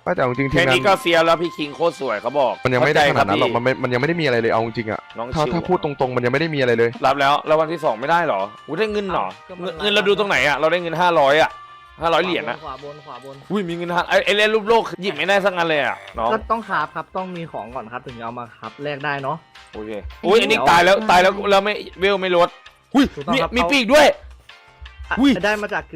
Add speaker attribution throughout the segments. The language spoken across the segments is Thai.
Speaker 1: แต่เอาจริงที
Speaker 2: แค่
Speaker 1: มงาน
Speaker 2: นี้ก็เฟียแล้วพี่คิงโคตรสวยเขาบอก
Speaker 1: มันยังไม่ได้ขนาดนั้นหรอก
Speaker 2: เข้ใจ
Speaker 1: มันยังไม่ได้มีอะไรเลยเอาจริงๆอ่ะ
Speaker 2: น้อง
Speaker 1: ถ้า
Speaker 2: ชิว
Speaker 1: ถ้าพูดตรงๆมันยังไม่ได้มีอะไรเลย
Speaker 2: รับแล้ววันที่2ไม่ได้เหรออุ้ยได้เงินเหรอเงินเราดูตรงไหนอ่ะเราได้เงิน500อ่ะ500เหรียญนะ
Speaker 3: ขวาบน
Speaker 2: อุ้ยมีเงินไอ้เล่นรูปโลกหยิบไม่ได้สักอันเลยอ่ะน้อง
Speaker 3: ก็ต้องคราฟครับต้องมีของก่อนครับถึงจะเอามาครับแลกได้เนาะ
Speaker 2: โอเคอุ้ยอันนี้ตายแล้วแล้วไม่เวลไม่ลดอุ้ย
Speaker 3: ถูกต้องครับ
Speaker 2: มีปีกด้วย
Speaker 3: อ่ะ
Speaker 2: อุ้ย
Speaker 3: ได้มาจาก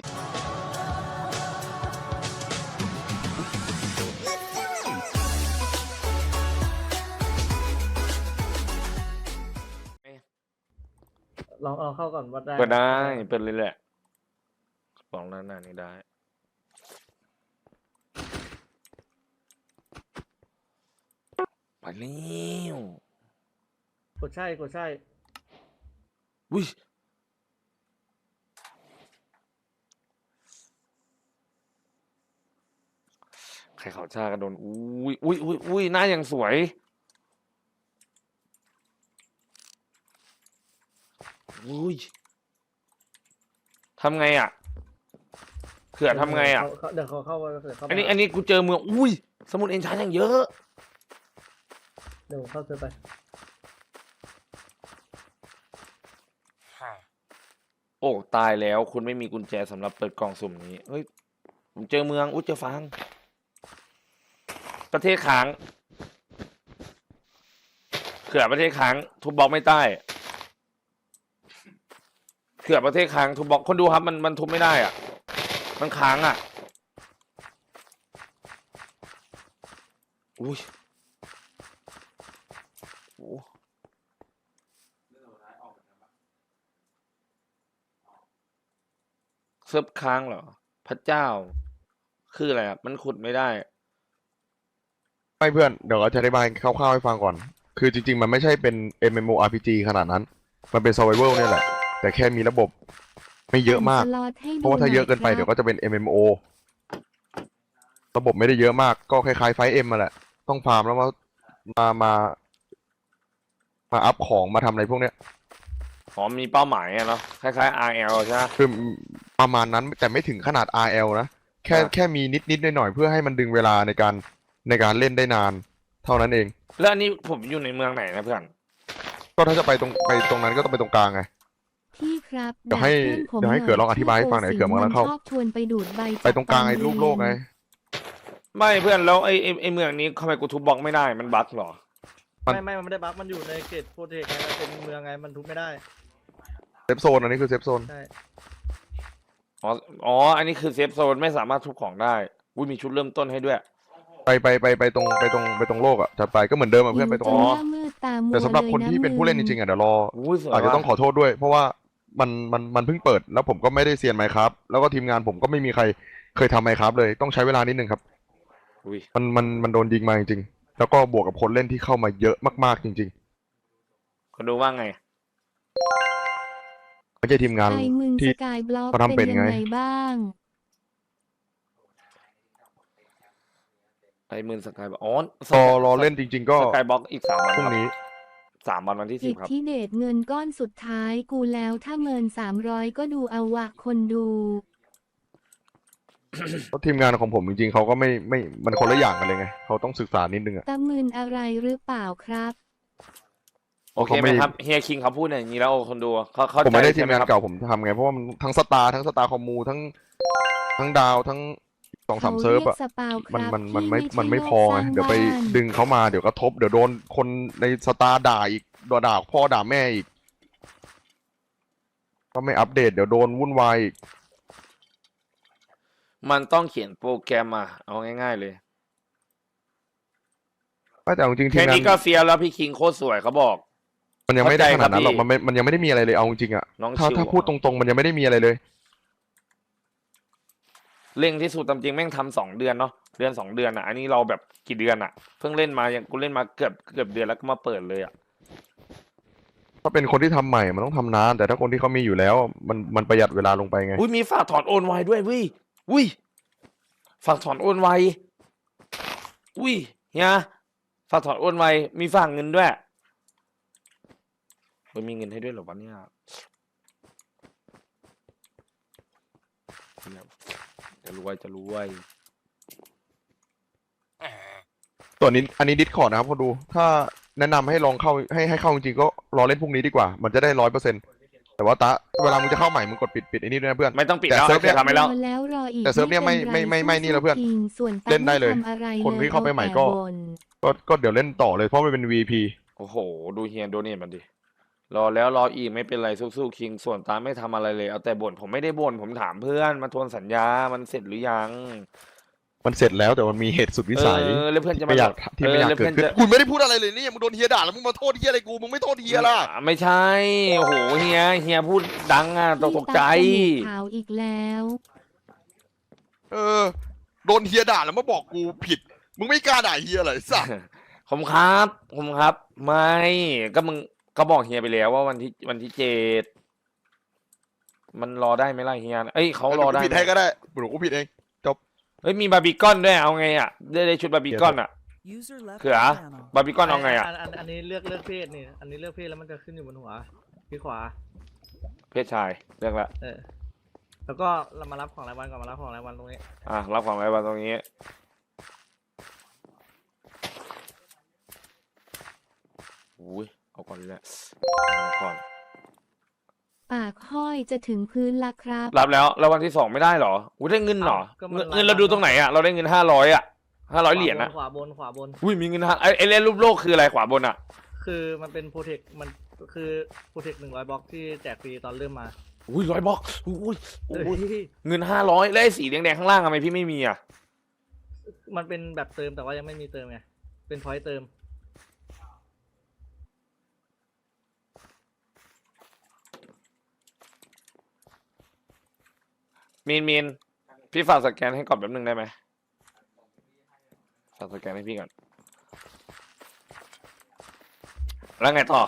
Speaker 3: ลองเข้าก่อนว่าได้
Speaker 2: เปิดได้เปิดเลยแหละลองหน้านี้ได้ไปแล้ว
Speaker 3: กดใช่
Speaker 2: อุ้ยใครเขาชากันโดนอุ้ยหน้ายังสวยอุ้ยทำไงอ่ะเผื่อทำไงอ่ะ
Speaker 3: เดี๋ยวเขาเข้าไปเดี๋ยวเข้าไป
Speaker 2: อันนี้กูเจอเมืองอุ้ยสมุดเอนชานอย่างเยอะ
Speaker 3: เดี๋ยวเข้าเจอไป
Speaker 2: โอ้ตายแล้วคุณไม่มีกุญแจสำหรับเปิดกล่องสุ่มนี้เฮ้ยผมเจอเมืองอุ้ยเจอฟางประเทศค้างเขื่อประเทศค้างทุบบล็อกไม่ได้เขื่อประเทศค้างทุบบล็อกคนดูครับมันทุบไม่ได้อ่ะมันค้างอ่ะอุ้ยโอ้เซิร์ฟค้างเหรอพระเจ้าคืออะไรอ่ะมันขุดไม่ได้
Speaker 1: ไม่เพื่อนเดี๋ยวเราจะอธิบายคร่าวๆให้ฟังก่อน คือจริงๆมันไม่ใช่เป็น MMORPG ขนาดนั้น มันเป็น Survival เนี่ยแหละ แต่แค่มีระบบไม่เยอะมาก เพราะว่าถ้าเยอะเกินไปเดี๋ยวก็จะเป็น MMO ระบบไม่ได้เยอะมาก ก็คล้ายๆไฟเอ็มมาแหละ ต้องฟาร์มแล้วมามามาอัพของมาทำอะไรพวกเนี้ย
Speaker 2: อ๋อมีเป้าหมายอะเนาะคล้ายๆ RL ใช่ไหม
Speaker 1: คือประมาณนั้นแต่ไม่ถึงขนาด RL นะ แค่มีนิดหน่อยๆเพื่อให้มันดึงเวลาในการเล่นได้นาน เท่านั้นเอง
Speaker 2: แล้วอันนี้ผมอยู่ในเมืองไหนนะเพื่อน
Speaker 1: ก็ถ้าจะไปตรงนั้นก็ต้องไปตรงกลางไง
Speaker 4: พี่ครับ
Speaker 1: เดี๋ยวให้เกิดลองอธิบายให้ฟังหน่อยเกิดมันกำลังเข้า
Speaker 4: ชอบชวนไปดูดใบ
Speaker 1: ไปตรงกลางไอ้รูปโลกไง
Speaker 2: ไม่เพื่อนแล้วไอ้เมืองนี้ทำไมกูทุบบล็อกไม่ได้มันบั๊กเหรอ
Speaker 3: มันไม่ได้บัฟมันอยู่ในเขตโปรเทคไงมันเป็นเมืองไงมันทุบไม่ได้
Speaker 1: เซฟโซนอันนี้คือเซฟโซน
Speaker 3: ใช่
Speaker 2: อันนี้คือเซฟโซนไม่สามารถทุบของได้อุ้ยมีชุดเริ่มต้นให้ด้วย
Speaker 1: ไปตรงโลกอ่ะจะไปก็เหมือนเดิมอ่ะเพื่อนไปตรง
Speaker 2: อ๋อ
Speaker 4: หน้ามืดตามัว
Speaker 1: แต่สำหรับคน
Speaker 4: เลยะ
Speaker 1: ที่เป็นผู้เล่นจริงๆอ่ะเดี๋ยวรอ
Speaker 2: อุ้ยสวย
Speaker 1: อาจจะต้องข
Speaker 2: ว่ะ
Speaker 1: อโทษด้วย เพราะว่ามันเพิ่งเปิดแล้วผมก็ไม่ได้เซียนไมค์ครับแล้วก็ทีมงานผมก็ไม่มีใครเคยทำไมค์ครับเลยต้องใช้เวลานิดนึงครับ
Speaker 2: อุ้ย
Speaker 1: มันโดนยิงมาจริงๆแล้วก็บวกกับคนเล่นที่เข้ามาเยอะมากๆจริง
Speaker 2: คนดูว่าไง
Speaker 1: ๆไม่ใช่ทีมงาน
Speaker 4: ไอ้มึง
Speaker 1: ที่
Speaker 4: สกายบล็อก
Speaker 1: เขาทำเป็
Speaker 4: เป็น น
Speaker 1: ไง
Speaker 4: ยังไงบ้าง
Speaker 2: ไอ้หมื่นสกายบอก
Speaker 1: รอเล่นจริง ๆ ก็
Speaker 2: สกายบล็อกอีก3 วัน
Speaker 1: พรุ่งนี้
Speaker 2: 3 วันวันที่
Speaker 4: อิ
Speaker 2: 10
Speaker 4: ท
Speaker 2: ครับ
Speaker 4: ธิเดชเงินก้อนสุดท้ายกูแล้วถ้าเมิน300ก็ดูเอาวะคนดู
Speaker 1: เพราะทีมงานของผมจริงๆเขาก็ไม่มันคนละอย่างกันเลยไงเขาต้องศึกษานิดนึงอ่ะ
Speaker 4: ตะมึนอะไรหรือเปล่าครับ
Speaker 2: โอเคไหมครับเฮียคิงเขาพูดอย่างนี้แล้วคนดูเขา
Speaker 1: ผมไม่ได้
Speaker 2: ใจ
Speaker 1: ที
Speaker 2: ใช่
Speaker 1: ม
Speaker 2: ไหม
Speaker 1: งาน
Speaker 2: ครับ
Speaker 1: เก่าผมทำไงเพราะว่ามันทั้งสตาร์คอมมูทั้งดาวทั้ง2-3 เซิร์ฟอ่ะ
Speaker 4: ขารียกสปาวค
Speaker 1: มัน
Speaker 4: รับ
Speaker 1: มันไม่
Speaker 4: ที่
Speaker 1: พอไง
Speaker 4: ใช่โลกสร้าง
Speaker 1: เดี๋ยวไป
Speaker 4: บ้าน
Speaker 1: ดึงเขามาเดี๋ยวกระทบเดี๋ยวโดนคนในสตาร์ด่าอีกด่าพ่อด่าแม่อีกก็ไม่อัปเดตเดี๋ยวโดนวุ่นวายอีก
Speaker 2: มันต้องเขียนโปรแกรมมาเอาง่ายๆเลย
Speaker 1: แต่เอาจริงๆที
Speaker 2: แค่
Speaker 1: มงา
Speaker 2: นี้
Speaker 1: น
Speaker 2: ก็เฟียแล้วพี่คิงโคตรสวยเขาบอก
Speaker 1: มันยังไม่ได้ขนาดนั้นหรอก
Speaker 2: เข้าใจครับพี่
Speaker 1: มันยังไม่ได้มีอะไรเลยเอาจริงๆอ่ะ
Speaker 2: น้อง
Speaker 1: ถ้า
Speaker 2: ชิว
Speaker 1: ถ้าพูดตรงๆ มันยังไม่ได้มีอะไรเลย
Speaker 2: เร่งที่สุดตามจริงแม่งทำ2 เดือนเนาะเดือน 2 เดือนอ่ะอันนี้เราแบบกี่เดือนอ่ะเพิ่งเล่นมายังกูเล่นมาเกือบเดือนแล้วก็มาเปิดเลยอ่ะ
Speaker 1: ถ้าเป็นคนที่ทำใหม่มันต้องทำนานแต่ถ้าคนที่เขามีอยู่แล้ว มันประหยัดเวลาลงไปไง
Speaker 2: อุ้ยมีฝากถอนโอนไวด้วยอุ้ยฝากถอนโอนไวอุ้ยเฮียฝากถอนโอนไวมีฝากเงินด้วยมันมีเงินให้ด้วยเหรอวะเนี่ยจะรวย
Speaker 1: ส่วนนี้อันนี้ดิสคอร์ดนะครับพอดูถ้าแนะนำให้ลองเข้าให้เข้าจริงๆก็รอเล่นพรุ่งนี้ดีกว่ามันจะได้100%แต่ว่าเวลามึงจะเข้าใหม่มึงกดปิดไอ้นี่ด้วยนะเพื่อน
Speaker 2: ไม่ต้องปิด
Speaker 1: แต่
Speaker 2: แล้ว
Speaker 1: เซิร์ฟเนี่ย
Speaker 2: ทำไปแล้ว
Speaker 4: รอแล้วรออีก
Speaker 1: แต่เซิร์ฟเนี่ยไม่
Speaker 4: ป็ร
Speaker 1: ไม่นี่แล้วเพื่อน
Speaker 4: สู้ๆส่วนตั๊ก
Speaker 1: เล่นได้เลย
Speaker 4: ม่ทำอะไร
Speaker 1: คนที่เข้าไปใหม่ก็
Speaker 4: เอาแต่บ่น
Speaker 1: ก็เดี๋ยวเล่นต่อเลยเพราะมันเป็น VP
Speaker 2: โอ้โห ดูเฮียโดเนทมันดิ รอแล้วรออีกไม่เป็นไรสู้ๆคิงส่วนตาไม่ทำอะไรเลยเอาแต่บ่นผมไม่ได้บ่นผมถามเพื่อนมาทวนสัญญามันเสร็จหรือยัง
Speaker 1: มันเสร็จแล้วแต่มันมีเหตุสุดวิสัย
Speaker 2: แล้วเพื่อนจะมา
Speaker 1: ไม่อยากที่ไม่อยาก
Speaker 2: แล้ว
Speaker 1: เกิด
Speaker 2: พื่น
Speaker 1: ขึ้น
Speaker 2: จะ
Speaker 1: คุณไม่ได้พูดอะไรเลยนี่มึงโดนเฮียด่าแล้วมึงมาโทษเฮียอะไรกูมึงไม่โทษเฮียล่ะ
Speaker 2: ไม่ใช่โอ้โหเฮียพูดดังอ่ะตกใจ
Speaker 4: พี่ตั๊กจมูกขาวอีกแล้ว
Speaker 1: โดนเฮียด่าแล้วมาบอกกูผิดมึงไม่กล้าด่าเฮียเลยสัส
Speaker 2: ผมครับ ไม่ก็มึงก็บอกเฮียไปแล้วว่าวันที่7มันรอได้ไหมล่ะเฮียเอ้ยเขารอได้
Speaker 1: ผิด
Speaker 2: ไหม
Speaker 1: ให้ก็ได้หนูกูผิดเอง
Speaker 2: เฮ้ยมีบาร์บีคอนด้วยเอาไงอ่ะได้ชุดบาร์บีคอนอ่ะ เขือบาร์บีคอนเอาไงอ่ะ
Speaker 3: อันนี้เลือกเพศนี่อันนี้เลือกเพศแล้วมันจะขึ้นอยู่บนหัวที่ขวา
Speaker 2: เพศชายเลือกละ
Speaker 3: แล้วก็เรามารับของรายวันก่อนมารับของรายวันตรงนี้
Speaker 2: รับของอะไรบ้างตรงนี้อุ้ยเอาก่อนเลยแหละเอาก่อน
Speaker 4: ปากห้อยจะถึงพื้นละครับ
Speaker 2: รับแล้ววันที่2ไม่ได้เหรออุ้ยได้เงินเหรอเงินเราดูตรงไหนอ่ะเราได้เงิน500อ่ะ500เหรียญนะ
Speaker 3: ขวาบน
Speaker 2: อุ้ยมีเงินไอ้เล่นรูปโลกคืออะไรขวาบนอ่ะ
Speaker 3: คือมันเป็นโปรเทคมันคือโปรเทค100 บล็อกที่แจกฟรีตอนเริ่มมา
Speaker 2: อุ้ย100 บล็อกอุ้ย
Speaker 3: เฮ้ย
Speaker 2: เงิน500แล้วไอ้สีแดงๆข้างล่างทำไมพี่ไม่มีอ่ะ
Speaker 3: มันเป็นแบบเติมแต่ว่ายังไม่มีเติมไงเป็นพอยต์เติม
Speaker 2: มีนพี่ฝากสแกนให้ก่อนแป๊บนึงได้ไหมฝากสแกนให้พี่ก่อนแล้วไงต่อ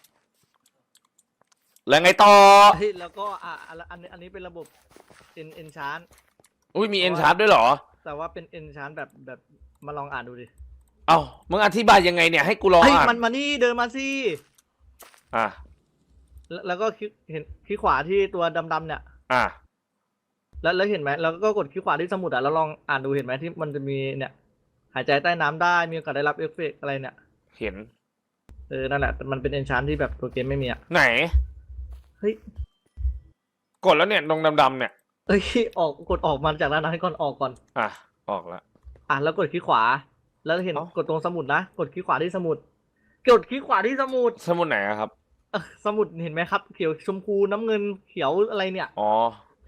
Speaker 3: เฮ้ยแล้วก็อันนี้เป็นระบบเอนชาน
Speaker 2: อุ้ยมีเอ็นชาร์ดด้วยเหรอ
Speaker 3: แต่ว่าเป็นเอนชานแบบมาลองอ่านดูดิ
Speaker 2: เอ้ามึงอธิบายยังไงเนี่ยให้กูลอง
Speaker 3: เฮ้ย
Speaker 2: อ่าน
Speaker 3: มันมานี่เดินมาสิ
Speaker 2: อ่ะ
Speaker 3: แล้วก็เห็นคลิกขวาที่ตัวดำๆเนี่ย
Speaker 2: อ่ะ
Speaker 3: แล้วเห็นไหมแล้วก็กดคลิกขวาที่สมุดอ่ะแล้วลองอ่านดูเห็นไหมที่มันจะมีเนี่ย หายใจใต้น้ำได้มีโอกาสได้รับเอฟเฟกต์อะไรเนี่ย
Speaker 2: เห็น
Speaker 3: นั่นแหละมันเป็นเอนชานที่แบบตัวเกมไม่มีอ่ะ
Speaker 2: ไหน
Speaker 3: เฮ้ย
Speaker 2: กดแล้วเนี่ยตรงดำๆเนี่ย
Speaker 3: เอ้ยกดออกมาจากด้านนั้นก่อนออกก่อน
Speaker 2: อ่ะออกแล้ว
Speaker 3: แล้วกดคลิกขวา แล้วเห็น
Speaker 2: เอ้า
Speaker 3: กดตรงสมุดนะกดคลิกขวาที่สมุดกดคลิกขวาที่สมุด
Speaker 2: สมุดไหนอะครับ
Speaker 3: สมุดเห็นไหมครับเขียวชมพูน้ำเงินเขียวอะไรเนี่ย
Speaker 2: อ๋อ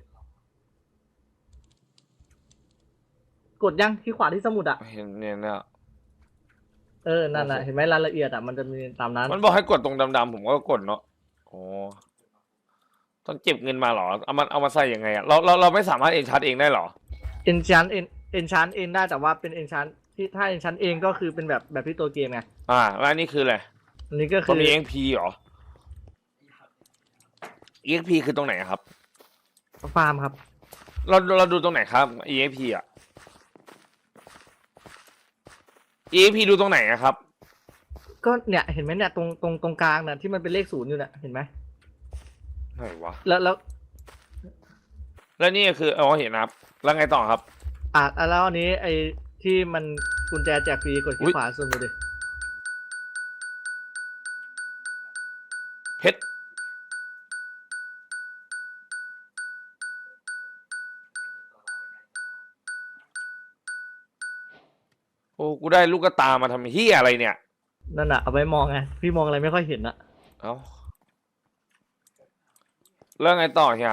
Speaker 3: กดยังคลิกขวาที่สมุดอ่ะ
Speaker 2: เห็นเนี่ยเนี่ย
Speaker 3: นั่นน่ะ
Speaker 2: โอเค
Speaker 3: เห็นไหมรายละเอียดอ่ะมันจะมีตามนั้น
Speaker 2: มันบอกให้กดตรงดำๆผมก็กดเนาะโอ้ต้องเก็บเงินมาเหรอเอามาใส่ยังไงอะเราไม่สามารถเอ็นชาร์จเองได้เหรอ
Speaker 3: เอนชานเอนชานเองได้แต่ว่าเป็นเอนชานที่ถ้าเอนชานเองก็คือเป็นแบบที่ตัวเกมไง
Speaker 2: แล้วอันนี้คืออะไร
Speaker 3: อันนี้ก็
Speaker 2: มั
Speaker 3: คื
Speaker 2: น
Speaker 3: อ
Speaker 2: มี EXP เหรอ EXP คือตรงไหนอะครับ
Speaker 3: ฟาร์มครับ
Speaker 2: เราดูตรงไหนครับ EXP อ่ะ EXP ดูตรงไหนอะครับ
Speaker 3: ก็เนี่ยเห็นไหมเนี่ยตรงกลางน่ะที่มันเป็นเลข0อยู่เนี่ยเห็นไหม
Speaker 2: ไหนวะ
Speaker 3: แล้ว
Speaker 2: แล้วนี่คือเห็นนะครับ แล้วไงต่อครับ
Speaker 3: แล้วอันนี้ไอ้ที่มันกุญแจแจกฟรีกดคลิ
Speaker 2: อุ๊
Speaker 3: ก
Speaker 2: ย
Speaker 3: ขวาสุดดูดิ
Speaker 2: เพชรโอ้กูได้ลูกกระตามาทำเฮียอะไรเนี่ย
Speaker 3: นั่นน่ะเอาไว้มองไงพี่มองอะไรไม่ค่อยเห็นอะ
Speaker 2: เอ้าแล้วไงต่อเฮีย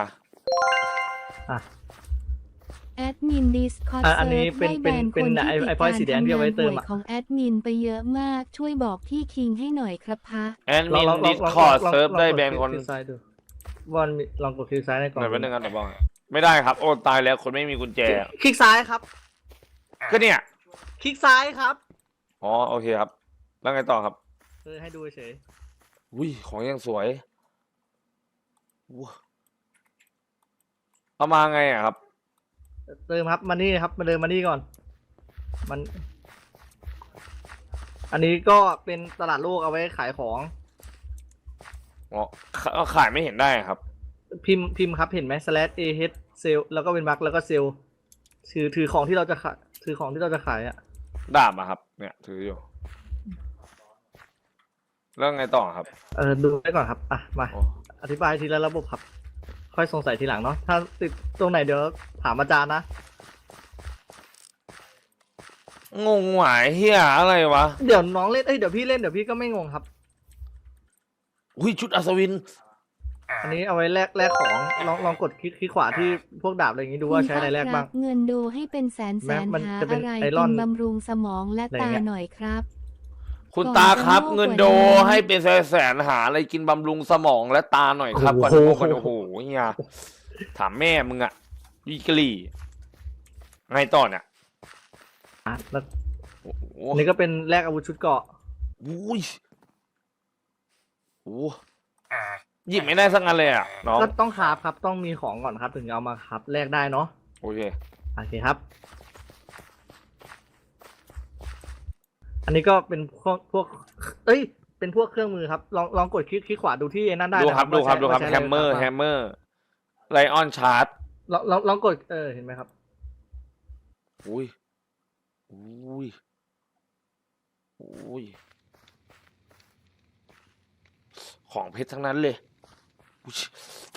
Speaker 4: แอดมินดิสคอร์ด
Speaker 3: อัน
Speaker 4: เซิ
Speaker 3: นี้
Speaker 4: ร์ฟ
Speaker 3: เป็น
Speaker 4: ได้แบนคนที่
Speaker 3: ไอ้
Speaker 4: ติด
Speaker 3: พอย
Speaker 4: การ
Speaker 3: ต์สีแดงที่
Speaker 4: ทำ
Speaker 3: เอา
Speaker 4: งา
Speaker 3: ไว้
Speaker 4: น
Speaker 3: เติ
Speaker 4: ห่
Speaker 3: ม
Speaker 4: วย
Speaker 3: อะ
Speaker 4: ของแอดมินไปเยอะมาก ช่วยบอกพี่คิงให้หน่อยครับพะ
Speaker 2: แอดมินดิสคอร์ดเซิร์ฟได้แบนคน
Speaker 3: ลองกดคลิกซ้ายดูบอลลองกดคลิกซ้ายในกล่อง
Speaker 2: ไหนเป็นหนึ่งกันเดี๋ยวบอกไม่ได้ครับ โอ้ตายแล้วคนไม่มีกุญแจ
Speaker 3: คลิกซ้ายครับ
Speaker 2: ก็เนี่ย
Speaker 3: คลิกซ้ายครับ
Speaker 2: อ๋อโอเคครับ แล้วไงต่อครับ
Speaker 3: ให้ดูเฉย
Speaker 2: อุ้ยของยังสวยว้าเอามาไงอะครับ
Speaker 3: เติมครับมานี่ครับมาเดินมานี่ก่อน มัน อันนี้ก็เป็นตลาดโลกเอาไว้ขายของ
Speaker 2: อ๋อขายไม่เห็นได้ครับ
Speaker 3: พิมพ์ครับเห็นไหม /ah เซลแล้วก็เป็นบักแล้วก็เซลถือของที่เราจะขายถือของที่เราจะขายอ่ะ
Speaker 2: ดาบอะครับ เนี่ยถืออยู่แล้วไงต่อครับ
Speaker 3: ดูไว้ก่อนครับอ่ะมา
Speaker 2: โอ้
Speaker 3: อธิบายทีละระบบครับ ค่อยสงสัยทีหลังเนาะถ้าติดตรงไหนเดี๋ยวถามอาจารย์นะ
Speaker 2: งงหวายเฮียอะไรวะ
Speaker 3: เดี๋ยวน้องเล่นเดี๋ยวพี่เล่นเดี๋ยวพี่ก็ไม่งงครับ
Speaker 2: อุ้ยชุดอัศวิน
Speaker 3: อันนี้เอาไว้แลกของลองกดคลิกขวาที่พวกดาบอะไรอย่างนี้ดูว่าใช้อะไรแลกบ้าง
Speaker 4: เงินโดให้เป็นแสน
Speaker 3: แม้มัน
Speaker 4: หา
Speaker 3: จะเป็น
Speaker 4: อะไร
Speaker 3: ไอร
Speaker 4: กิ
Speaker 3: อน
Speaker 4: นบำรุงสมองและ
Speaker 3: อะไร
Speaker 4: ตา
Speaker 3: เงี้ย
Speaker 4: หน่อยครับ
Speaker 2: คุณ
Speaker 4: ก่อน
Speaker 2: ตาครับ
Speaker 4: จะโง่
Speaker 2: เงิน
Speaker 4: กว่า
Speaker 2: โด
Speaker 4: นี้
Speaker 2: ให้เป็นแสนหาอะไรกินบำรุงสมองและตาหน่อยครับก่อน
Speaker 3: โอ้โห
Speaker 2: โง่กันโอ้โหเฮียถามแม่มึงอะวิกฤตไงต่อเนี่ย
Speaker 3: แล้ว
Speaker 2: โอ้โห
Speaker 3: อันนี้ก็เป็นแลกอาวุธชุดเกราะ
Speaker 2: อุ้ยโอ้โหหยิบไม่ได้สักอันเลยอะน้อง
Speaker 3: ก็ต้องคราฟครับต้องมีของก่อนครับ ถึงจะเอามาคราฟแลกได้เนาะ
Speaker 2: โอเค
Speaker 3: โอเคครับ อันนี้ก็เป็นพวกเป็นพวกเครื่องมือครับ ลองกดคลิกขวาดูที่นั่นได้
Speaker 2: ดู
Speaker 3: นะครับ
Speaker 2: ดูครับ
Speaker 3: ว่าใช้
Speaker 2: แฮมเมอร์
Speaker 3: ว่าใช้ะไ
Speaker 2: แฮมเมอร์ไลออนชาร์ต
Speaker 3: ลองกดเห็นไหมครับ
Speaker 2: อุ้ยอุ้ยอุ้ยของเพชรทั้งนั้นเลยอุ๊ย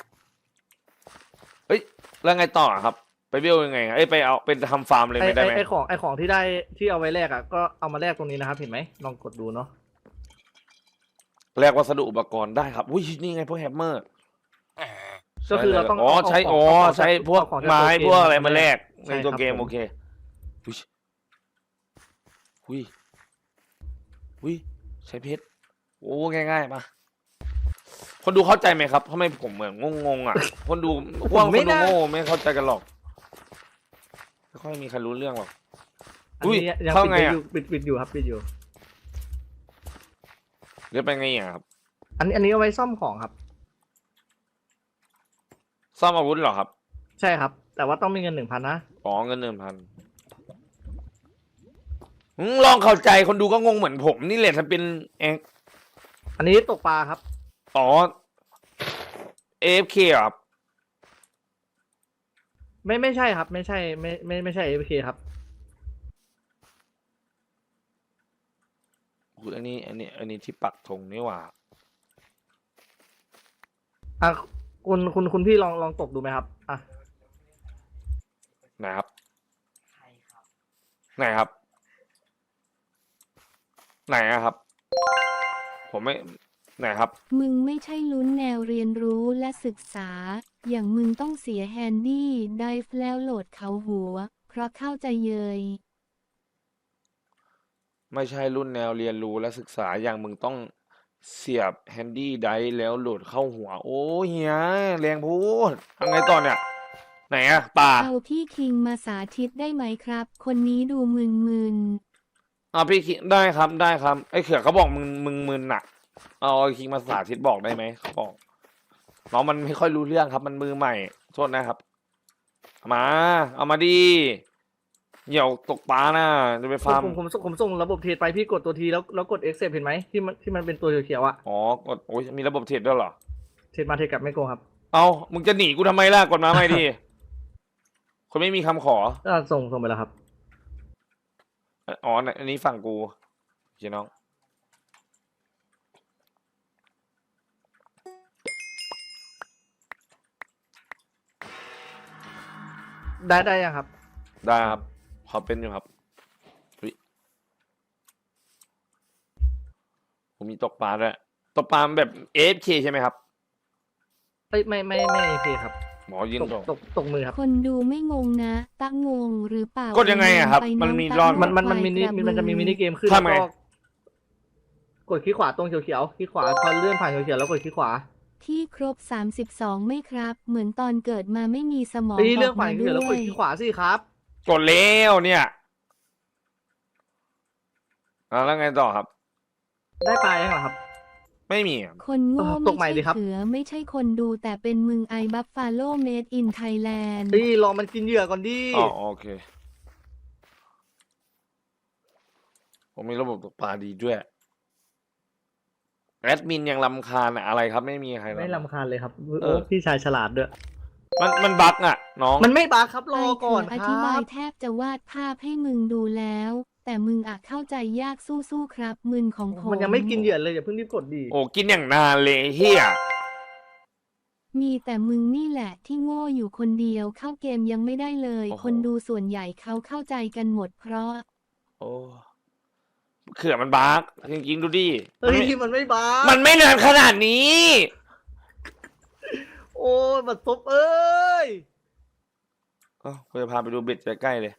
Speaker 2: เฮ้ยแล้วไงต่อครับ ไปเบี้ยวยังไงไปเอาเป็นทำฟาร์มเลยไม่ได้ไหม
Speaker 3: ไอของที่ได้ที่เอาไว้แลกอ่ะก็เอามาแลกตรงนี้นะครับ เห็นไหมลองกดดูเนาะ
Speaker 2: แลกวัสดุอุปกรณ์ได้ครับอุ้ยนี่ไงพวกแฮมเมอร์
Speaker 3: ก็คือเราต้อง
Speaker 2: ใช้
Speaker 3: เาของ
Speaker 2: ใช้พวก
Speaker 3: เอาของจาก
Speaker 2: ไม้
Speaker 3: ตัวเกม
Speaker 2: พวกอะไรมาแลก
Speaker 3: ใช่
Speaker 2: ในตัว
Speaker 3: ครับ
Speaker 2: เกม
Speaker 3: ผม
Speaker 2: โอเคอุ้ยอุ้ยใช้เพชรโอ้ง่ายๆมาคนดูเข้าใจไหมครับทำไมผมเหมือนงงๆอ่ะ คนดูพวกคนดูโง่ไม่เข้าใจกันหรอกไม่ค่อยมีใครรู้เรื่องหรอก
Speaker 3: อัน
Speaker 2: อุ้ย
Speaker 3: นี้ยัง
Speaker 2: เข้า
Speaker 3: ปิด
Speaker 2: ไง
Speaker 3: ไว้
Speaker 2: อะ
Speaker 3: อยู่ปิดอยู่ครับปิดอยู่
Speaker 2: เรียกไปไงอ่ะครับ
Speaker 3: อันนี้เอาไว้ซ่อมของครับ
Speaker 2: ซ่อมอาวุธเหรอครับ
Speaker 3: ใช่ครับ แต่ว่าต้องมีเงิน 1,000 นะ
Speaker 2: อ๋อเงิน1,000ลองเข้าใจคนดูก็งงเหมือนผมนี่แหละถ้าเป็นเอง
Speaker 3: อันนี้ตกปลาครับ
Speaker 2: อ๋อ AFK เหรอครับ
Speaker 3: ไม่ใช่ครับ ไม่ใช่ไม่ใช่ AFK ครับ
Speaker 2: อุ๊ยอันนี้ที่ปักธงนี่หว่า
Speaker 3: อ่ะคุณพี่ลองตกดูไหมครับอ่ะ
Speaker 2: ไหนครับ ไหนครับ ไหนอะครับ ผมไม่ ไหนครับ
Speaker 4: มึงไม่ใช่ลุ้นแนวเรียนรู้และศึกษา อย่างมึงต้องเสียแฮนดี้ไดฟ์แล้วโหลดเขาหัว เพราะเข้าใจเยย
Speaker 2: ไม่ใช่รุ่นแนวเรียนรู้และศึกษาอย่างมึงต้องเสียบแฮนดี้ไดร์แล้วโหลดเข้าหัว โอ้เฮียแรงพูดทำไงต่อเนี่ย ไหนอะป่า
Speaker 4: เอาพี่คิงมาสาธิตได้ไหมครับ คนนี้ดูมึน
Speaker 2: พี่คิงได้ครับได้ครับไอ้เขือเขาบอกมึงมึนน่ะ เอาไอ้คิงมาสาธิตบอกได้ไหมเขาบอกน้องมันไม่ค่อยรู้เรื่องครับ มันมือใหม่โทษนะครับเอามาดีเหี่ยวตกปลาน่ะจะไปฟาร์ม
Speaker 3: ผมส่งระบบเทรดไปพี่กดตัวทีแล้วกด accept เห็นไหมที่มันเป็นตัวเขียวๆอะ
Speaker 2: อ๋อกดโอ้ยมีระบบเทรดด้วยเหรอ
Speaker 3: เทรดมาเทรดกลับไม่โกงครับ
Speaker 2: เอามึงจะหนีกูทำไมล่ะกดมาไม่ดี คนไม่มีคำขอ
Speaker 3: ส่งไปแล้วครับ
Speaker 2: อ๋ออันนี้ฝั่งกูเจ๊น้อง
Speaker 3: ได้ยังครับ
Speaker 2: ได้ครับขอเป็นอยู่ครับอุ๊ยผมมีตกปลาด้วยตกปลาแบบ AFK ใช่ไหมครับ
Speaker 3: ไม่ AFK ครับ
Speaker 2: หมอยิงตก
Speaker 3: ตกมือครับ
Speaker 4: ๆ คนดูไม่งงนะตะงงหรือเปล่าก
Speaker 2: ดยังไงอะครับ
Speaker 4: ไป
Speaker 2: มัน
Speaker 4: อง
Speaker 2: มี
Speaker 4: ตะ
Speaker 2: รอบ
Speaker 4: ง
Speaker 3: มันมี
Speaker 4: ควายกระบือ
Speaker 3: มันจะมีมินิเกมขึ้น
Speaker 2: ทำไง
Speaker 3: แล้วก็กดคลิกขวาตรงเขียวๆคลิกขวาพอเลื่อนผ่านเขียวๆแล้วกดคลิกขวา
Speaker 4: ที่ครบ 32ไหม่ครับ เหมือนตอนเกิดมาไม่มีสมอง
Speaker 3: เลื่
Speaker 4: อ
Speaker 3: อน
Speaker 4: อก
Speaker 3: ผ่าน
Speaker 4: มา
Speaker 3: เขียวๆแล้ว
Speaker 4: ด้
Speaker 3: ก
Speaker 4: ว
Speaker 3: ด
Speaker 4: ย
Speaker 3: คลิกขวาสิครับ
Speaker 2: กดแล้วเนี่ยแล้วไงต่อครับ
Speaker 3: ได้ปลายังเหรอครับ
Speaker 2: ไม่มีอะ
Speaker 4: คนโง่
Speaker 3: ตกใหม่
Speaker 4: ไม่
Speaker 3: ดิ
Speaker 4: ใช่
Speaker 3: ครับ
Speaker 4: เขือไม่ใช่คนดูแต่เป็นมึงไอบัฟฟาโลเมดอินไทยแลนด์
Speaker 3: รอมันกินเหยื่อก่อนดิ
Speaker 2: อ๋อโอเค ผมมีระบบตกปลาดีด้วยแอดมินยังรำคาญอะอะไรครับ ไม่มีใคร
Speaker 3: ไม่
Speaker 2: รำคาญ
Speaker 3: รำคาญเลยครับ
Speaker 2: เออ
Speaker 3: พี่ชายฉลาดด้วย
Speaker 2: มันบั๊กอะน้อง
Speaker 3: มันไม่บาครับร
Speaker 4: ไอ
Speaker 3: อ
Speaker 4: เขื
Speaker 3: ก่อน
Speaker 4: อ
Speaker 3: ค
Speaker 4: อ
Speaker 3: รั
Speaker 4: ธิบาย
Speaker 3: บ
Speaker 4: แทบจะวาดภาพให้มึงดูแล้วแต่มึงอะเข้าใจยากสู้ๆครับมึนของผม
Speaker 3: มันยังไม่กินเหยื่อเลยอย่าเพิ่งรีบกดดี
Speaker 2: โอ้กินอย่างนานเลยเฮีย
Speaker 4: มีแต่มึงนี่แหละที่โง่อยู่คนเดียวเข้าเกมยังไม่ได้เลย คนดูส่วนใหญ่เขาเข้าใจกันหมดเพราะ
Speaker 2: โอ้เขื่อนมันบาร์กจริงๆดูดิ
Speaker 3: เฮ้ยมันไม่บ้า
Speaker 2: มั
Speaker 3: มัน
Speaker 2: ไม่นานขนาดนี้
Speaker 3: โอ้ยบัดซบเอ้ย
Speaker 2: กูจะพาไปดูเบ็ดใกล้ๆเลย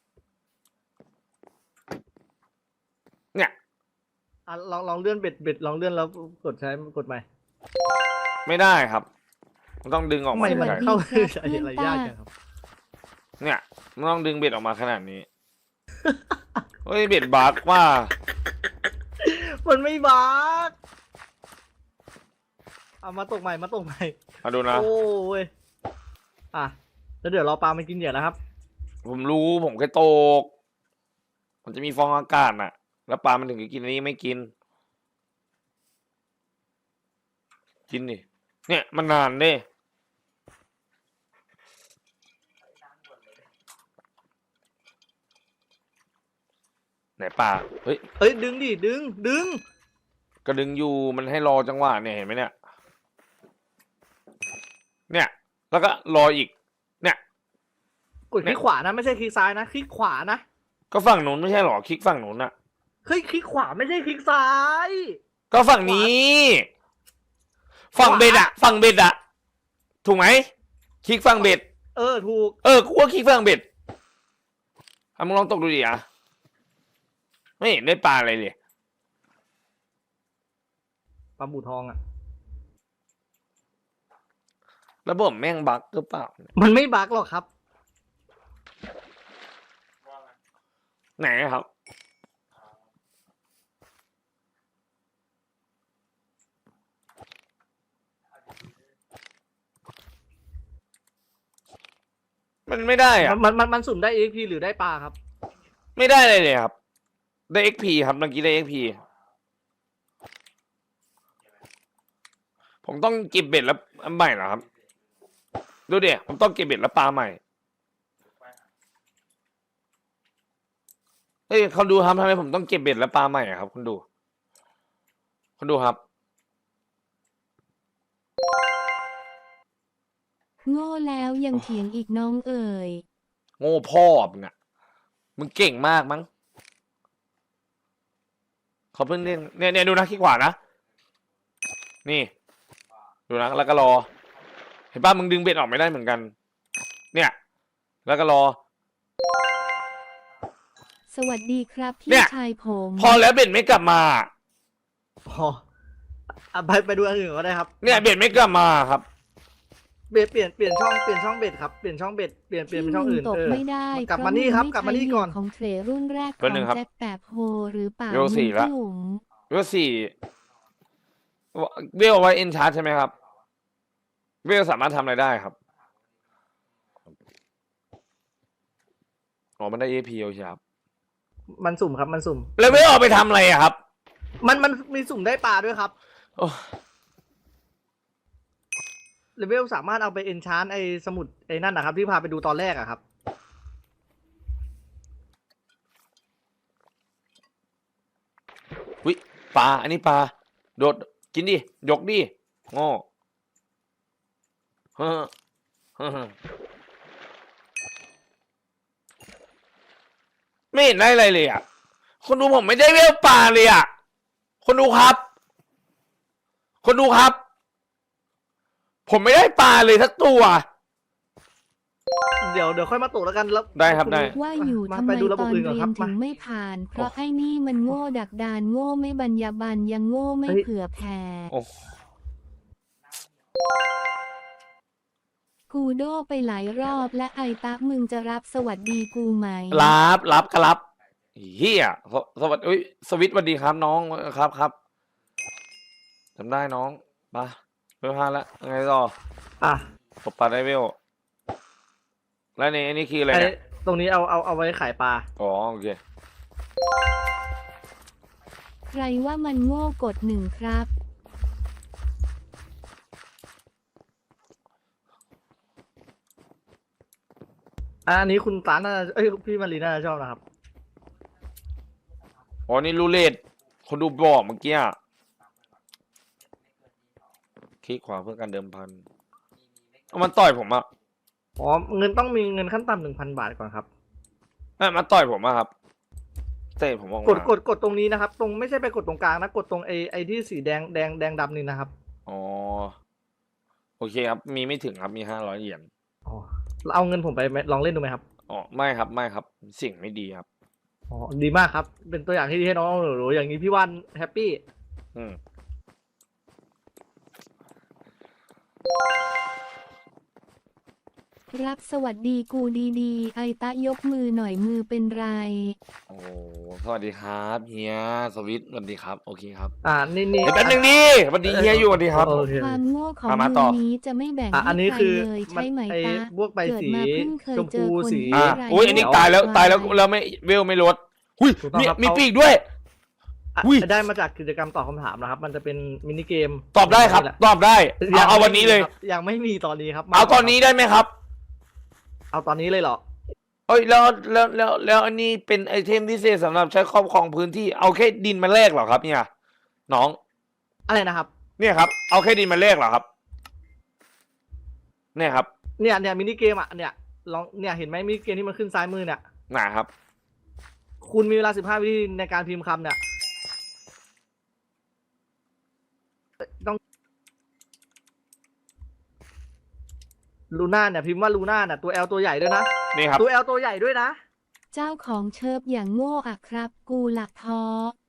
Speaker 2: เนี่ย
Speaker 3: อ่ะลองเลื่อนเบ็ดลองเลื่อนแล้วกดใช้กดใหม่
Speaker 2: ไม่ได้ครับ มันต้องดึงออก
Speaker 3: ทำ
Speaker 2: มา
Speaker 3: ไมมัน
Speaker 2: ขนาด
Speaker 3: เข้า
Speaker 4: สวัสดีครับ
Speaker 3: อะไรยากจังครับ
Speaker 2: เนี่ยมันต้องดึงเบ็ดออกมาขนาดนี้ เฮ้ยเบ็ดบาร์กว่า
Speaker 3: มันไม่บ้าเอามาตกใหม่มา
Speaker 2: มาดูนะ
Speaker 3: โอ้ยอ่ะแล้วเดี๋ยวรอปลามันกินเหยื่อนะครับ
Speaker 2: ผมรู้ผมแค่ตก มันจะมีฟองอากาศน่ะ แล้วปลามันถึงจะกินอันนี้ไม่กิน กินดิ เนี่ยมันนานเด้ไหนปลาเฮ้ย
Speaker 3: เอ้ยดึงดิดึง
Speaker 2: ก็ดึงอยู่มันให้รอจังหวะเนี่ยเห็นไหมเนี่ย เนี่ย แล้วก็รออีก เนี่ย
Speaker 3: กดคลิกขวานะไม่ใช่คลิกซ้ายนะคลิกขวานะ
Speaker 2: ก็ฝั่งนู้นไม่ใช่หรอคลิกฝั่งนู้นอะ
Speaker 3: เฮ้ยคลิกขวาไม่ใช่คลิกซ้าย
Speaker 2: ก็ฝั่งนี้ ฝั่งเบ็ดอะฝั่งเบ็ดอะถูกไหมคลิกฝั่งเบ็ด
Speaker 3: ถูก
Speaker 2: กูว่าคลิกฝั่งเบ็ดมึงลองตกดูดิอะไม่เห็นได้ปลาอะไรเลย
Speaker 3: ปลาบูทองอ่ะ
Speaker 2: ระบบแม่งบั๊กหรือเปล่า
Speaker 3: มันไม่บั๊กหรอกครับ
Speaker 2: ไหนครับ มันไม่ได้อะ
Speaker 3: มันสุ่มได้ EXP หรือได้ปลาครับ
Speaker 2: ไม่ได้เลยครับ ได้ XP ครับเมื่อกี้ได้ XP ผมต้องเก็บเบ็ดแล้วอันใหม่เหรอครับ ดูเดี๋ยวผมต้องเก็บเบ็ดแล้วปลาใหม่ เฮ้ยเขาดูครับทำไมผมต้องเก็บเบ็ดแล้วปลาใหม่อะครับคุณดูครับ
Speaker 4: โง่แล้วยังเถียงอีกน้องเอ๋ย
Speaker 2: โง่พ่อมึงอะมึงเก่งมากมั้งเขาเพิ่งเล่นเนี่ยดูนะขี้ขวานะ นี่ ดูนะแล้วก็รอ เห็นป่ะมึงดึงเบ็ดออกไม่ได้เหมือนกัน เนี่ย แล้วก็รอ
Speaker 4: สวัสดีครับ
Speaker 2: เนี่
Speaker 4: พี่
Speaker 2: ย
Speaker 4: ชายผม
Speaker 2: พอแล้วเบ็ดไม่กลับมา
Speaker 3: พอไปดูอันอื่นก็ได้ครับ
Speaker 2: เนี่ยเบ็ดไม่กลับมาครับ
Speaker 3: เบ็ดเปลี่ยนช่องเบ็ดครับเปลี่ยนช่องเบ็ดเปลี่ยนเป็นช่องอื่น
Speaker 4: ตกไม่ได้
Speaker 3: กลับมานี่ครับ
Speaker 4: เพ
Speaker 3: กลับ
Speaker 4: ระ
Speaker 3: มานี่
Speaker 4: ง
Speaker 3: ก่อน
Speaker 4: ไใช่เหยื่ของเทรรุ่นแรกข
Speaker 2: แป๊บ
Speaker 4: อ
Speaker 2: นึ
Speaker 4: ง
Speaker 2: งครับ
Speaker 4: แจ็คแปบโฮหรือเปล่า
Speaker 2: เวลสี่ละ
Speaker 4: จุ๋ม
Speaker 2: เวล4เวลไว้เอ็นชาร์จใช่ไหมครับ เวลสามารถทำอะไรได้ครับอ๋อมันได้ AP โอเคครับ
Speaker 3: มันสุ่มครับมันสุ่ม
Speaker 2: แล้วเวลเอาไปทำอะไรอะครับ
Speaker 3: มันมีสุ่มได้ปลาด้วยครับ
Speaker 2: โอ้
Speaker 3: เลเวลสามารถเอาไปเอนชานไอสมุดไอนั่นนะครับที่พาไปดูตอนแรกอะครับ
Speaker 2: วิปลาอันนี้ปลาโดดกินดิยกดิโง่เฮ้อเฮ้อไม่เห็นได้อะไรเลยอ่ะคนดูผมไม่ได้เวลปลาเลยอ่ะคนดูครับ ผมไม่ได้ปลาเลยสักตัว
Speaker 3: เดี๋ยวค่อยมาตกแล้วกันแล้ว
Speaker 2: ได้ครับได้
Speaker 4: ว่าอยู่
Speaker 3: มา
Speaker 4: ทำไม
Speaker 3: ไปดูระ
Speaker 4: ต
Speaker 3: บบ
Speaker 4: อน
Speaker 3: อื่นก่อน
Speaker 4: เรี
Speaker 3: ค
Speaker 4: ย
Speaker 3: รั
Speaker 4: น
Speaker 3: บ
Speaker 4: ถึ
Speaker 3: มา
Speaker 4: งไม่ผ่าน เพราะไอ้นี่มันโง่ดักดานโง่ไม่บรรยาบรรณยังโง่ไม่
Speaker 3: เฮ้ย
Speaker 4: เผื่อแผ่
Speaker 2: โอ้
Speaker 4: กูโดไปหลายรอบและไอตะมึงจะรับสวัสดีกูไหม
Speaker 2: รับก็รับเฮียสวัสดีอุ๊ยสวิตสวัสดีครับน้องครับจำได้น้องมาเวล5แล้วไงต่อ
Speaker 3: อ่ะ
Speaker 2: ตบปลาได้เวลแล้วนี่อันนี้คืออะไร
Speaker 3: ไอ
Speaker 2: เนี่ย
Speaker 3: ตรงนี้เอาไว้ขายปลา
Speaker 2: อ๋อโอเค
Speaker 4: ใครว่ามันโง่กดหนึ่งครับ
Speaker 3: อันนี้คุณตาน่าพี่มารีน่าจะชอบนะครับ
Speaker 2: อ๋อนี่รูเล็ตคนดูบอกเมื่อกี้อะคลิกขวาเพื่อการเดิมพันเอามันต่อยผมอะ
Speaker 3: อ๋อเงินต้องมีเงินขั้นต่ำ1,000 บาทก่อนครับ
Speaker 2: มันต่อยผมอะครับเตะผมออก
Speaker 3: กด
Speaker 2: มาก
Speaker 3: ดตรงนี้นะครับ ตรงไม่ใช่ไปกดตรงกลางนะกดตรงไอที่สีแดงดำนี่นะครับ
Speaker 2: อ๋อโอเคครับมีไม่ถึงครับมี500 เหรียญ
Speaker 3: อ๋อเอาเงินผมไปไหมลองเล่นดูไหมครับ
Speaker 2: อ๋อไม่ครับไม่ครับสิ่งไม่ดีครับ
Speaker 3: อ๋อดีมากครับ เป็นตัวอย่างที่ดีให้น้องหนูๆอย่างนี้พี่ว่านแฮปปี้
Speaker 2: อืม
Speaker 4: รับสวัสดีกูดีๆ ไอตะยกมือหน่อยมือเป็นไร
Speaker 2: โอ้สวัสดีครับเฮียสวิตสวัสดีครับโอเคครับ
Speaker 3: นี่
Speaker 2: เดี๋ยวแป๊บนึงดิสวัสดีเฮียอยู่สวัสดีครับ
Speaker 3: โอเค
Speaker 4: ความโง่ของ
Speaker 2: มา
Speaker 4: มึง
Speaker 2: ต่อ
Speaker 4: นี้จะไม่แบ่ง
Speaker 3: อั
Speaker 4: ให้
Speaker 3: นนี้
Speaker 4: ใคร
Speaker 3: คือ
Speaker 4: เลยใช่ไหม
Speaker 3: ไอ้
Speaker 4: ตา
Speaker 3: พวกใบ
Speaker 4: เกิด
Speaker 3: สี
Speaker 4: มาเพิ่งเคย
Speaker 3: ชม
Speaker 4: เจ
Speaker 3: พู
Speaker 4: อคน
Speaker 3: สี
Speaker 4: ที่
Speaker 2: อ่ะ
Speaker 4: ไร้
Speaker 2: อุ้ยอันนี้ตายแล้ว
Speaker 4: คว
Speaker 2: ตายแล้วแล้วไม่เวลไม่ลดอุ้ย
Speaker 3: ถูกต้องครับ
Speaker 2: มี
Speaker 3: เขา
Speaker 2: ปีกด้วย
Speaker 3: อ่ะ
Speaker 2: อุ้ย
Speaker 3: ได้มาจากกิจกรรมตอบคำถามนะครับ มันจะเป็นมินิเกม
Speaker 2: ตอบได้ครับ
Speaker 3: นี่แหละ
Speaker 2: ตอบได้เอาวันนี้เลย
Speaker 3: ยังไม่มีตอนนี้ครับ
Speaker 2: เอาตอนนี้ได้ไหมครับ
Speaker 3: เอาตอนนี้เลยเหรอ
Speaker 2: เอ้ยแล้วอันนี้เป็นไอเทมพิเศษสำหรับใช้ครอบครองพื้นที่เอาแค่ดินมาแลกเหรอครับเนี่ยน้อง
Speaker 3: อะไรนะครับ
Speaker 2: เนี่ยครับเอาแค่ดินมาแลกเหรอครับ เนี่ยครับ
Speaker 3: เนี่ยมินิเกมอ่ะเนี่ยลองเนี่ยเห็นไหมมินิเกมที่มันขึ้นซ้ายมือเนี่ย
Speaker 2: หนาครับ
Speaker 3: คุณมีเวลา15 วินาทีในการพิมพ์คำเนี่ยต้องลูน่าเนี่ยพิมพ์ว่าลูน่าเนี่ยตัว L ตัวใหญ่ด้วยนะ
Speaker 2: นี่ครับ
Speaker 3: ตัว L ตัวใหญ่ด้วยนะ
Speaker 4: เจ้าของเชิบอย่างโง่อะครับ กูหลักท้อ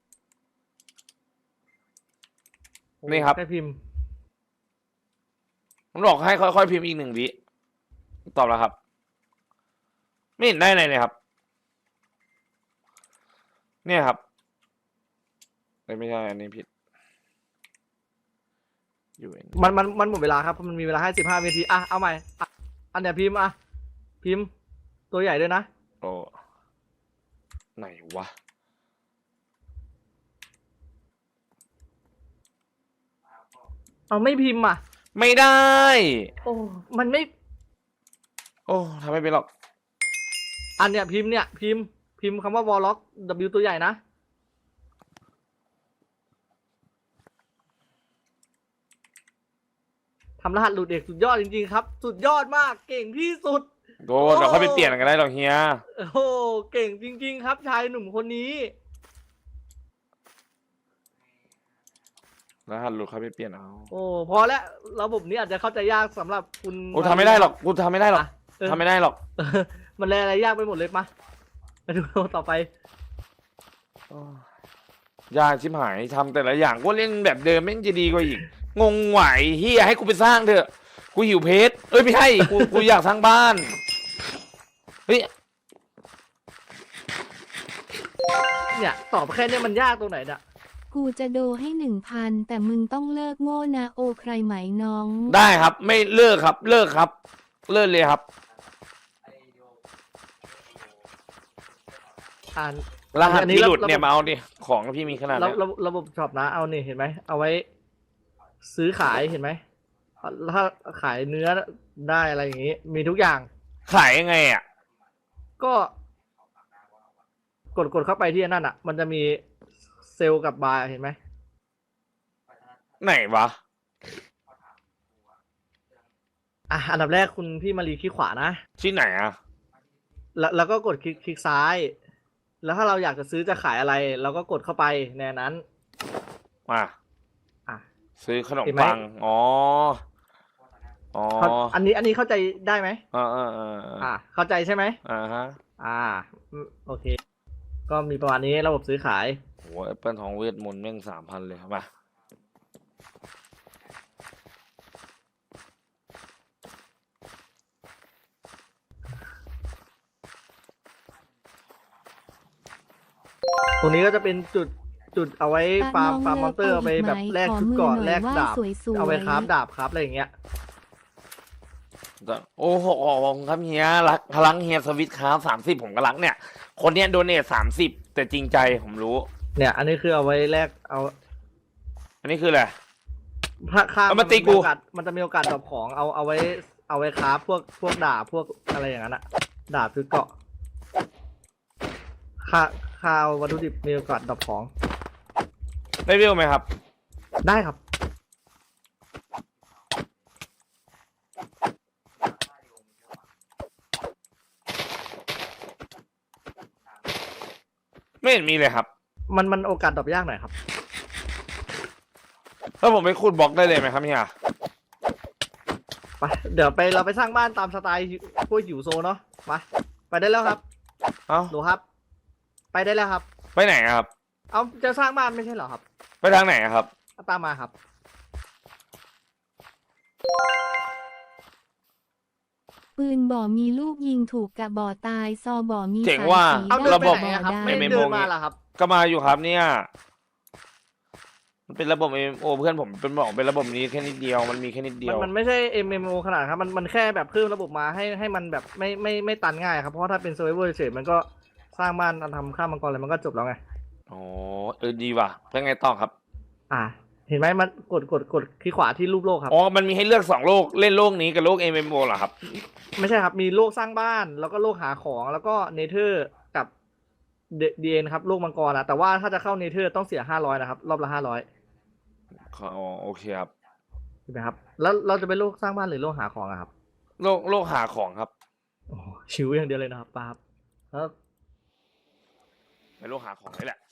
Speaker 2: นี่ครับ
Speaker 3: แค่พิมพ์
Speaker 2: ผมบอกให้ค่อยๆพิมพ์อีก1 วิตอบแล้วครับ ไม่เห็นได้เลยครับ เนี่ยครับไม่ใช่อันนี้ผิดอยู่อันนี้
Speaker 3: มันหมดเวลาครับเพราะมันมีเวลาให้15 วินาทีอ่ะเอาใหม่อ่ะอันเนี้ยพิมพ์อ่ะพิมพ์ตัวใหญ่ด้วยนะ
Speaker 2: โอ้ไหนวะ
Speaker 3: เอาไม่พิมพ์อ่ะ
Speaker 2: ไม่ได้
Speaker 3: โอ้มันไม่
Speaker 2: โอ้ทำไม่เป็นหรอก
Speaker 3: อันเนี้ยพิมพ์เนี่ยพิมพ์คำว่าวอลล็อก W ตัวใหญ่นะทำรหัสหลุดเอกสุดยอดจริงๆครับ สุดยอดมากเก่งที่สุด
Speaker 2: โดเดี๋ยวค่อยไปเปลี่ยนกันได้หรอกเฮีย
Speaker 3: โอ้โหเก่งจริงๆครับชายหนุ่มคนนี้
Speaker 2: รหัสหลุดค่อยไปเปลี่ยนเอา
Speaker 3: โอ้พอแล้วระบบนี้อาจจะเข้าใจยากสำหรับคุณ
Speaker 2: โอ้ทำไม่ได้หรอกกูทำไม่ได้หรอก
Speaker 3: อ่ะเออ
Speaker 2: ทำไม่ได้หรอก
Speaker 3: มันแลอะไรยากไปหมดเลยมาดูต่อไป
Speaker 2: ยากชิบหายทำแต่ละอย่างก็เล่นแบบเดิมแม่งจะดีกว่าอีก งงไหวเฮียให้กูไปสร้างเถอะ กูหิวเพชรเอ้ยไม่ใช่กูอยากสร้างบ้าน เฮ้ย
Speaker 3: เนี่ยตอบแค่เนี้ยมันยากตรงไหนเนี่ย
Speaker 4: กูจะโดให้1,000แต่มึงต้องเลิกโง่นะโอใครไหมน้อง
Speaker 2: ได้ครับ ไม่เลิกครับ เลิกครับ เลิกเลยครับ
Speaker 3: อ่าน
Speaker 2: รหัส
Speaker 3: อันนี้
Speaker 2: ที่หลุด
Speaker 3: ระบบ
Speaker 2: เนี่ยมาเอาดิของพี่มีขนาด
Speaker 3: ระ
Speaker 2: เนี้ย
Speaker 3: ระบบช็อปนะเอานี่เห็นไหมเอาไว้ ซื้อขายเห็นไหมถ้าขายเนื้อได้อะไรอย่างงี้ มีทุกอย่าง
Speaker 2: ขายยังไงอ่ะ
Speaker 3: ก็กดเข้าไปที่นั่นอ่ะ มันจะมีเซลล์กับบาร์เห็นไหม
Speaker 2: ไหนวะ
Speaker 3: อ่ะอันดับแรกคุณพี่มารีคลิกขวานะ
Speaker 2: ที่ไหนอ่ะ
Speaker 3: แล้วก็กดคลิกซ้าย แล้วถ้าเราอยากจะซื้อจะขายอะไร เราก็กดเข้าไปในนั้น
Speaker 2: มา
Speaker 3: อ่ะ
Speaker 2: ซื้อขนม
Speaker 3: เห็นไหม
Speaker 2: ปัง อ๋อ อ๋อ
Speaker 3: อันนี้เข้าใจได้ไหม
Speaker 2: อ่า
Speaker 3: เข้าใจใช่ไหม
Speaker 2: ฮะ
Speaker 3: โอเค ก็มีประมาณนี้ระบบซื้อขาย
Speaker 2: โหแอปเปิลทองเวทมนต์แม่ง3,000เลยมา
Speaker 3: ตรงนี้ก็จะเป็นจุดเอาไว้ฟาร์มมอนเตอร์เอาไปแบบแลกชุดเก่อนแลกดาบ เอาไว้คราฟดาบครับอะไรอย่างเงี้ย
Speaker 2: โอ้โหครับเฮียรักพลังเฮียสวิตครับ30ผมก็รักเนี่ย คนเนี้ยโดเนท30แต่จริงใจผมรู้
Speaker 3: เนี่ย อันนี้คือเอาไว้แลกเอา
Speaker 2: อันนี้คืออะไร
Speaker 3: ถ้าข้าม
Speaker 2: เอามาตีกู
Speaker 3: มันจะมีโอกาสดรอปของเอาไว้คราฟพวกดาบพวกอะไรอย่างนั้นอะดาบชุดเกราะข้าววัตถุดิบมีโอกาสดรอปของ
Speaker 2: ได้วิวไหมครับ
Speaker 3: ได้ครับ
Speaker 2: ไม่เห็นมีเลยครับ
Speaker 3: มันโอกาสดรอปยากหน่อยครับ
Speaker 2: แล้วผมไปขุดบล็อกได้เลยไหมครับเฮีย
Speaker 3: ไปเดี๋ยวเราไปสร้างบ้านตามสไตล์พวกหิวโซเนาะไปได้แล้วครับ
Speaker 2: เอ้า
Speaker 3: หนูครับ ไปได้แล้วครับ
Speaker 2: ไปไหนอะครับ
Speaker 3: เอาจะสร้างบ้านไม่ใช่เหรอครับ
Speaker 2: ไปทางไหนอะครับ
Speaker 3: ตามมาครับ
Speaker 4: ปืนบ่อมีลูกยิงถูกกะบ่อตายซอบ่อมี
Speaker 2: เจ๋ง
Speaker 4: สาย
Speaker 2: ว่า
Speaker 4: สี
Speaker 3: เอา
Speaker 4: ได้
Speaker 3: เดิน
Speaker 2: ระ
Speaker 3: ไป
Speaker 2: บบ
Speaker 3: ไหนอะครับ
Speaker 4: ได้
Speaker 3: ไม่ได้
Speaker 2: MMO
Speaker 3: เดินมาเหรอครับ
Speaker 2: ก็มาอยู่ครับเนี่ย มันเป็นระบบ MMO เพื่อนผมเป็นบอกเป็นระบบนี้แค่นิดเดียว มันมีแค่นิดเดียว
Speaker 3: มันไม่ใช่ MMO ขนาดครับมันแค่แบบเพิ่มระบบมาให้มันแบบไม่ตันง่ายครับเพราะว่าถ้าเป็น Survivor เฉยๆมันก็สร้างบ้านทำข้ามมังกรอะไรมันก็จบแล้วไง
Speaker 2: อ๋อดีว่ะเป็นไงต่อครับ
Speaker 3: เห็นไหมมันกดคลิกขวาที่รูปโลกครับ
Speaker 2: อ๋อ มันมีให้เลือก2โลก เล่นโลกนี้กับโลก MMO เหรอครับ
Speaker 3: ไม่ใช่ครับมีโลกสร้างบ้านแล้วก็โลกหาของแล้วก็เนเธอร์กับเดียนครับโลกมังกรนะแต่ว่าถ้าจะเข้าเนเธอร์ต้องเสีย500นะครับรอบละ500
Speaker 2: อ๋อ โอเคครับ
Speaker 3: ใช่ไหมครับแล้วเราจะไปโลกสร้างบ้านหรือโลกหาของอะครับ
Speaker 2: โลกหาของครับ
Speaker 3: โอ้ชิวอย่างเดียวเลยนะครับป้าครับแล้ว
Speaker 2: ในโลกหาของนี่แหละ